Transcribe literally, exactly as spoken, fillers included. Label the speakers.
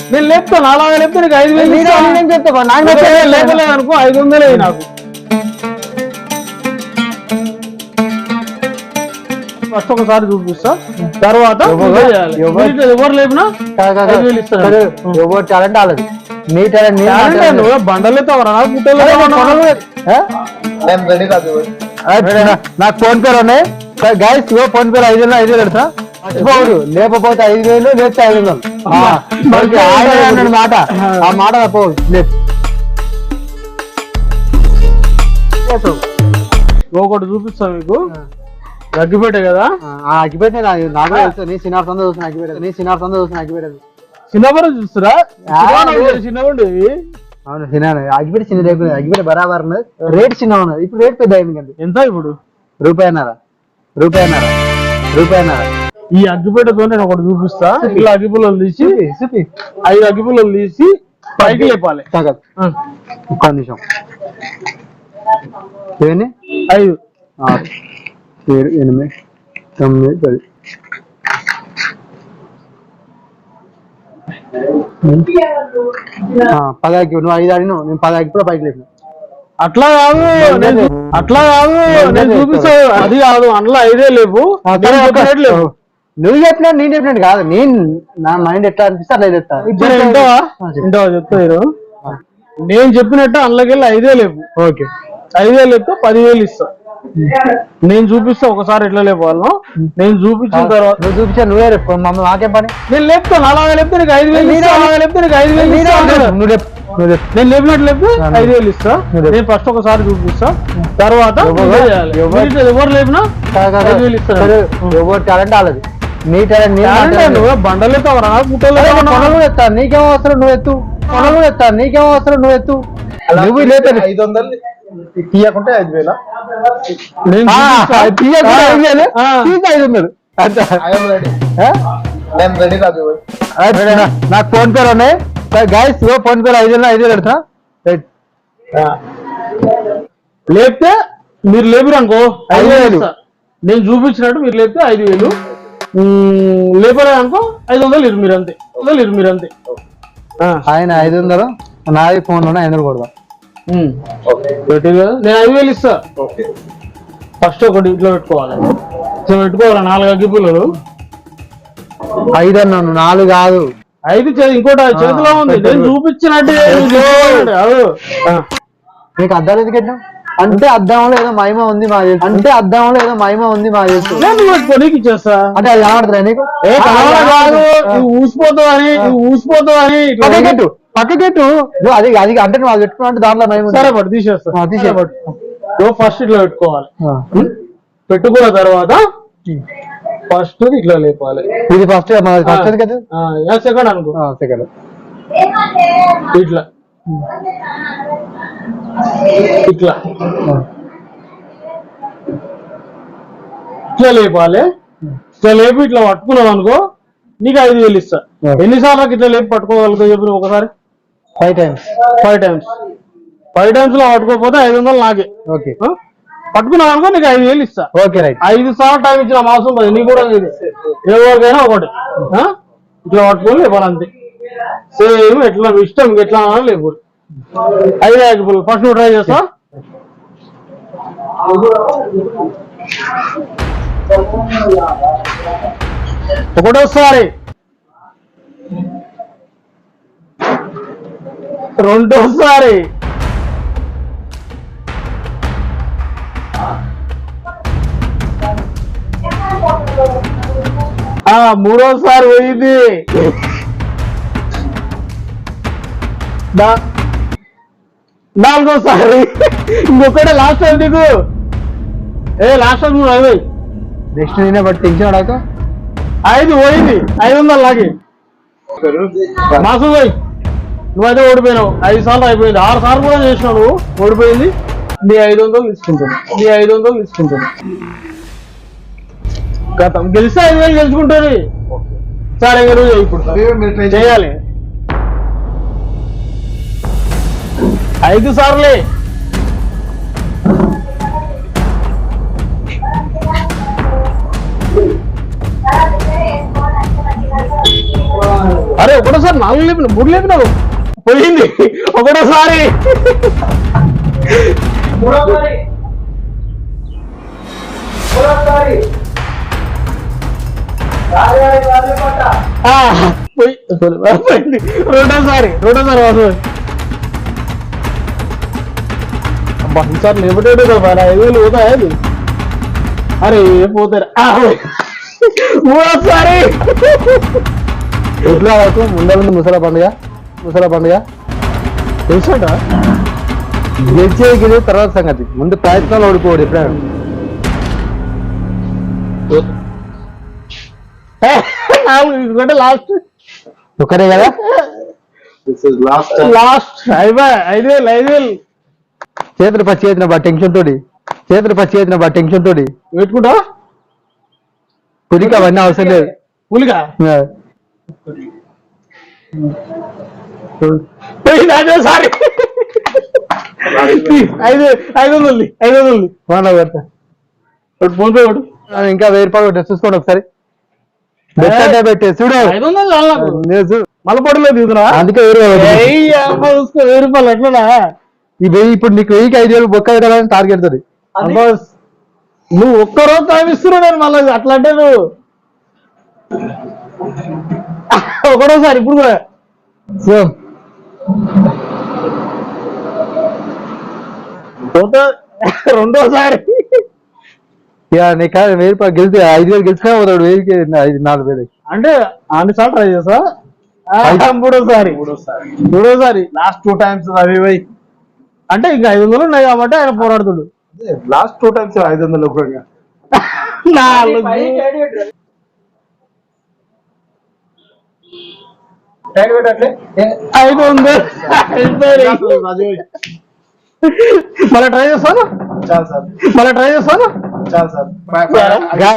Speaker 1: నేను లేపుతాను అలాగే లేపితే నీకు ఐదు వేలు
Speaker 2: చెప్తా
Speaker 1: లేపలేదు అనుకో ఐదు వందలే నాకు ఫస్ట్ ఒకసారి చూపిస్తా తర్వాత ఎవరు లేపినా
Speaker 2: ఎవరు టాలెంట్ వాళ్ళది నీ టాలెంట్
Speaker 1: బండలు
Speaker 2: నాకు ఫోన్ పేలు ఉన్నాయి గైస్ ఫోన్ పేలు ఐదు వేలు ఐదు వేలు పెడతా మర్చిపోడు లేకపోతే ఐదు వేలు లేకపోతే ఐదు వందలు మాట ఆ మాట తప్పవు
Speaker 1: ఒకటి చూపిస్తా మీకు అగ్గిపేట కదా
Speaker 2: అగ్గిపేట నాకు తెలుసు నీ సినిమా సంద చూసిన అగ్గిపేట నీ సినిమా సంద చూసిన అగ్గిపేట
Speaker 1: చిన్నప్పుడు చూస్తురా చిన్నగా ఉండేవి
Speaker 2: అవును చిన్న అగ్గిపేట చిన్న రేపు అగ్గిపేట బరాబర్ ఉన్నది రేట్ చిన్న ఉన్నది ఇప్పుడు రేట్ పెద్ద అయింది కండి
Speaker 1: ఎంత ఇప్పుడు
Speaker 2: రూపాయన్నర రూపాయన్నర రూపాయన్నర
Speaker 1: ఈ అగ్గిపేటతో నేను ఒకటి చూపిస్తా ఇలా అగ్గిపుల్లలు తీసి ఐదు అగ్గిపుల్లలు తీసి పైకి లేపాలి
Speaker 2: ఒక్క నిమిషం ఏమని
Speaker 1: ఐదు
Speaker 2: ఏడు ఎనిమిది తొమ్మిది పది పదాకి నువ్వు ఐదు ఆడిను నేను పదాకి కూడా పైకి లేపిన
Speaker 1: అట్లా కాదు అట్లా కాదు నేను చూపిస్తా అది కాదు అందులో ఐదే లేవు లేవు
Speaker 2: నువ్వు చెప్పినా నేను చెప్పినట్టు కాదు నేను నా మైండ్ ఎట్లా అనిపిస్తే అట్లా చెప్తాను
Speaker 1: చెప్తారు నేను చెప్పినట్టు అందులోకెళ్ళి ఐదే లేవు
Speaker 2: ఓకే
Speaker 1: ఐదే లేపు పదివేలు ఇస్తా నేను చూపిస్తా ఒకసారి ఎట్లా లేపాలను నేను చూపించిన తర్వాత
Speaker 2: నువ్వు చూపించా నువ్వే రేపు మమ్మల్ని నాకేం పని
Speaker 1: నేను లేపుతాను అలాగే లేపితే నీకు ఐదు వేలు అలాగే లేపితే నీకు ఐదు వేలు నేను లేపినట్టు లేపితే ఐదు వేలు ఇస్తా నేను ఫస్ట్ ఒకసారి చూపిస్తా తర్వాత ఎవరు లేపినా ఐదు వేలు ఇస్తా
Speaker 2: ఎవరు టాలెంట్ వాళ్ళది నీ టాలెంట్
Speaker 1: బండలు ఎత్తావరా
Speaker 2: కొనలు ఎత్తాను నీకేం అవసరం నువ్వు ఎత్తు కొనలు ఎత్తాను నీకేం అవసరం నువ్వు ఎత్తు నువ్వు లేపే
Speaker 1: ఐదు వందలు తీయకుంటే ఐదు వేల
Speaker 2: ఐదు వందలు నాకు ఫోన్ పేలు ఉన్నాయి గైస్ ఫోన్ పేలు ఐదు వేలు ఐదు వేలు పెడతా
Speaker 1: లేపితే మీరు లేపిరు అనుకో ఐదు వేలు నేను చూపించినట్టు మీరు లేపితే ఐదు వేలు లేపరే అనుకో ఐదు వందలు ఇరు మీరు అంతే వందలు ఇరు మీరు అంతే
Speaker 2: ఆయన ఐదు వందలు నాది ఫోన్ లోనే ఐదు వందలు కొడదాం
Speaker 1: నేను ఐదు వేలు ఇస్తా ఫస్ట్ ఒకటి ఇట్లా పెట్టుకోవాలి ఇట్లా పెట్టుకోవాలి నాలుగు అగ్గి పుల్లలు
Speaker 2: ఐదు అన్నాను నాలుగు కాదు
Speaker 1: ఐదు ఇంకోటి చేతిలో ఉంది నేను చూపించినట్టు
Speaker 2: నీకు అద్దాలు ఎందుకు పెట్టినా అంటే అద్దంలో ఏదో మహిమ ఉంది మా చేస్తు అంటే అద్దంలో ఏదో మహిమ ఉంది మా చేస్తు
Speaker 1: నీకు ఇచ్చేస్తా
Speaker 2: అంటే అది కనబడుతుందా నీకు
Speaker 1: ఊసిపోతావు అని ఊసిపోతావు అని
Speaker 2: పక్కకెట్టు పక్కకెట్టు నువ్వు అది అది అంటే నువ్వు అది పెట్టుకున్నా అంటే దాంట్లో మహిమ
Speaker 1: సరే పట్టు తీసేస్తా తీసేపట్టు ఫస్ట్ ఇట్లా పెట్టుకోవాలి పెట్టుకున్న తర్వాత ఫస్ట్ ఇట్లా లేపాలి
Speaker 2: ఇది ఫస్ట్ ఫస్ట్ కదా
Speaker 1: సెకండ్ అనుకో
Speaker 2: సెకండ్
Speaker 1: ఇట్లా ఇట్లా ఇట్లా లేపాలి ఇట్లా లేపి ఇట్లా పట్టుకున్నావు అనుకో నీకు ఐదు వేలు ఇస్తా ఎన్నిసార్లు ఇట్లా లేపి పట్టుకోగలుగుతావు చెప్పు ఒకసారి
Speaker 2: five times
Speaker 1: five times five times లో పట్టుకోకపోతే ఐదు వందలు నాకే
Speaker 2: ఓకే
Speaker 1: పట్టుకున్నావు అనుకో నీకు ఐదు వేలు ఇస్తా
Speaker 2: ఓకే రైట్
Speaker 1: ఐదు సార్లు టైం ఇచ్చిన మాసం పది నీకు కూడా ఎవరికైనా ఒకటి ఇట్లా పట్టుకోవాలి లేపాలి అంతే సేమ్ ఎట్లా ఇష్టం ఎట్లా లేపు ఐదు ఆగిపోయి ఫస్ట్ నువ్వు ట్రై చేస్తా ఒకటోసారి రెండోసారి మూడోసారి పోయింది నాలుగోసారి ఇంకొకటే లాస్ట్ టైం నీకు ఏ లాస్ట్ టైం నువ్వు ఐదు
Speaker 2: నెక్స్ట్ నేనే బట్టి టెన్షన్ అడగ
Speaker 1: ఐదు పోయింది ఐదు వందలు లాగి మాసు పోయి నువ్వైతే ఓడిపోయినావు ఐదు సార్లు అయిపోయింది ఆరు సార్లు కూడా చేసినావు నువ్వు ఓడిపోయింది నీ ఐదు వందలు తీసుకుంటాను నీ ఐదు వందలు తీసుకుంటాను గతం గెలిస్తే ఐదు వేలు గెలుచుకుంటుంది సరే మీరు ఇప్పుడు చేయాలి ఐదు సార్లే అరే ఒకటోసారి నాలుగు లేపిన మూడు లేపినావు పోయింది ఒకటోసారి
Speaker 2: మూడోసారి మూడోసారి రాజారి రాజపట్ట
Speaker 1: ఆ, పోయి పోయింది రెండోసారి రెండోసారి వాసు అబ్బా ఈసారి లేబటేడు కదా ఐదు వేలు పోతాయా అది? అరే పోతారు ఆ, పోయి. మూడోసారి
Speaker 2: ఎట్లా వరకు ముందే ముందు ముసల పండుగ ముసల పండుగ
Speaker 1: తెలుసట
Speaker 2: గెలిచేది తర్వాత సంగతి ముందు ప్రయత్నాలు ఓడిపోడు ఎప్పుడైనా
Speaker 1: ఇంకొకటి లాస్ట్
Speaker 2: ఒకరే కదా
Speaker 1: లాస్ట్ అయిపోయి ఐదు వేలు ఐదు వేలు
Speaker 2: చేతులు పచ్చి చేసిన బా టెన్షన్ తోటి చేతులు పచ్చి చేసిన బా టెన్షన్ తోటి
Speaker 1: పెట్టుకుంటా
Speaker 2: పులికి అవన్నీ అవసరం లేదు
Speaker 1: పులిగా
Speaker 2: ఆ.
Speaker 1: పోయింది అదే సారీ ఐదు ఐదు వందలు ఐదు వందలు
Speaker 2: ఫోన్లో పెడతా
Speaker 1: ఫోన్ పే కొడు
Speaker 2: ఇంకా వెయ్యి రూపాయలు కొట్టే చూసుకోండి ఒకసారి బెట్టే పెట్టే చూడు
Speaker 1: ఐదు వందలు చాలు నాకు
Speaker 2: నేను చూ-
Speaker 1: మలపడలేదు తీసుకురా
Speaker 2: అందుకే వెయ్యి రూపాయలు కొట్టు.
Speaker 1: వెయ్యి అమ్మ చూసుకో వెయ్యి రూపాయలు ఎట్లా
Speaker 2: ఈ వెయ్యి ఇప్పుడు నీకు వెయ్యికి ఐదు వేలు బొక్క పెట్టాలని టార్గెట్ తోటి
Speaker 1: అబ్బా, నువ్వు ఒక్కరోజు తాగిస్తున్నావు నేను మళ్ళీ అట్లా అంటే నువ్వు ఒకటోసారి ఇప్పుడు కూడా
Speaker 2: సో
Speaker 1: పోతే రెండోసారి
Speaker 2: ఇక నీకు కాదు వెయ్యి రూపాయలు గెలిచి ఐదు వేలు గెలిచినా పోతాడు వెయ్యికి ఐదు నాలుగు వేలు
Speaker 1: అంటే అన్ని సార్లు ట్రై చేసా మూడోసారి మూడోసారి లాస్ట్ టూ టైమ్స్ అవి ఇవి అంటే ఇంకా ఐదు వందలు ఉన్నాయి కాబట్టి ఆయన పోరాడుతుడు
Speaker 3: లాస్ట్ టూ టైమ్స్ ఐదు వందలు ఒకటిగా
Speaker 1: నాలుగు ఐదు వందలు అయిపోయినాయి. మళ్ళీ ట్రై చేస్తాను
Speaker 3: చాలు సార్
Speaker 1: మళ్ళీ ట్రై చేస్తాను
Speaker 3: చాలు సార్